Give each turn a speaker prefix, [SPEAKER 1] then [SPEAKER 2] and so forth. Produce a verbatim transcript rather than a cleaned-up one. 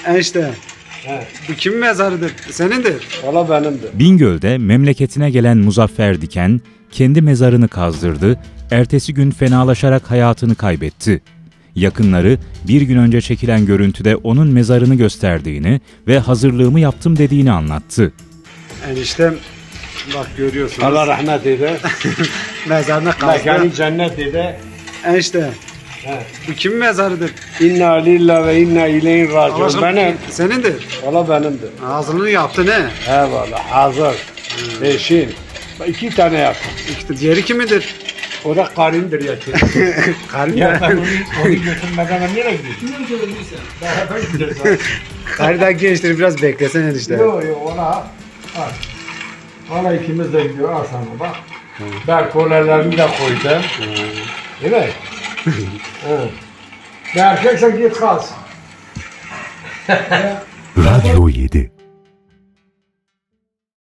[SPEAKER 1] Enişte.
[SPEAKER 2] He.
[SPEAKER 1] Bu kimin mezarıdır? Senindir.
[SPEAKER 2] Valla benimdi.
[SPEAKER 3] Bingöl'de memleketine gelen Muzaffer Diken kendi mezarını kazdırdı, ertesi gün fenalaşarak hayatını kaybetti. Yakınları bir gün önce çekilen görüntüde onun mezarını gösterdiğini ve hazırlığımı yaptım dediğini anlattı.
[SPEAKER 1] Eniştem bak görüyorsunuz.
[SPEAKER 2] Allah rahmet eyle.
[SPEAKER 1] Mezarına kazdı.
[SPEAKER 2] Mekanı cennet eyle.
[SPEAKER 1] Enişte.
[SPEAKER 2] He.
[SPEAKER 1] Bu kimin mezarıdır?
[SPEAKER 2] İnna lillahi ve inna ileyhi
[SPEAKER 1] Allah
[SPEAKER 2] raciun.
[SPEAKER 1] aşkına,
[SPEAKER 2] Benim.
[SPEAKER 1] Senindir.
[SPEAKER 2] Valla benimdi.
[SPEAKER 1] Ağzını yaptı ne?
[SPEAKER 2] Eyvallah. Hazır. Eşin. İki tane yaptım.
[SPEAKER 1] İşte diğeri kimidir?
[SPEAKER 2] O da karındır yaşı.
[SPEAKER 1] Karı
[SPEAKER 2] Ya ben
[SPEAKER 1] da,
[SPEAKER 2] onu, onu götürmeden ben nereye gidiyorum? Daha ben gideceğim.
[SPEAKER 1] karı da gençtir, biraz beklesen enişte.
[SPEAKER 2] Yok yok ona al. Ona ikimiz de gidiyor. Al sana bak. Ben kolelerimi de koydum. Değil mi? Evet. Ben erkeksen git kalsın.
[SPEAKER 4] Radyo yedi.